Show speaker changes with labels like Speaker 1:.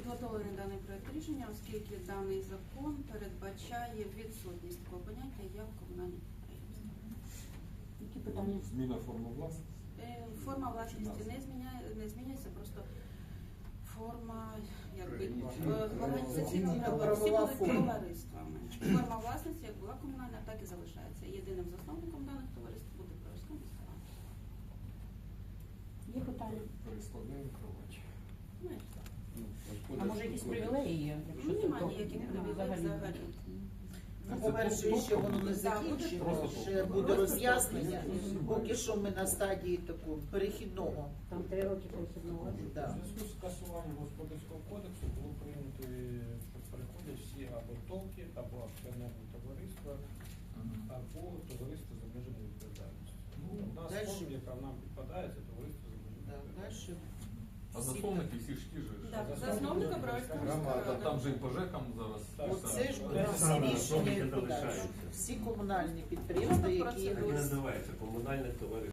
Speaker 1: Підготовлений даний проект рішення, оскільки даний закон передбачає відсутність такого поняття, як комунальні підприємства.
Speaker 2: Які питання?
Speaker 3: Зміна форми власності?
Speaker 1: Форма власності не змінюється, просто форма організаційного всі були товариствами. Форма власності як була комунальна, так і залишається. Єдиним засновником даних товариств буде Броварська міська рада.
Speaker 2: Є питання?
Speaker 3: Перескладаємо кровач.
Speaker 1: Ну, і все.
Speaker 2: А може якісь привілеї є? Якщо це
Speaker 1: Немає
Speaker 2: то-
Speaker 1: ніяких
Speaker 2: Нема
Speaker 1: привілеїв взагалі.
Speaker 4: Ну, по-перше, ще воно не закінчено, ще буде роз'яснення. Поки що ми на стадії такого перехідного.
Speaker 2: Там 3 роки перехідного.
Speaker 4: Да.
Speaker 5: У зв'язку з скасуванням господарського кодексу було прийнято, що переходять всі або ТОВки, або акціонерні товариства, або товариство з обмеженою відповідальністю. Одна з
Speaker 4: Дальше.
Speaker 5: форм, яка нам підпадає, це товариство з обмеженою
Speaker 4: Да,
Speaker 5: відповідальністю.
Speaker 4: дальше.
Speaker 3: А засновники всі ж ті ж.
Speaker 1: Так, засновника Броварська міська
Speaker 3: Громада,
Speaker 1: рада.
Speaker 3: там же і ПЖЕКам зараз.
Speaker 4: Оце ж
Speaker 5: Так,
Speaker 4: всі
Speaker 6: саме,
Speaker 4: рішення
Speaker 6: засновники
Speaker 4: і подальші.
Speaker 6: залишаються.
Speaker 4: Всі комунальні підприємства, які
Speaker 1: Процедура.
Speaker 6: Так і називається комунальне товариство.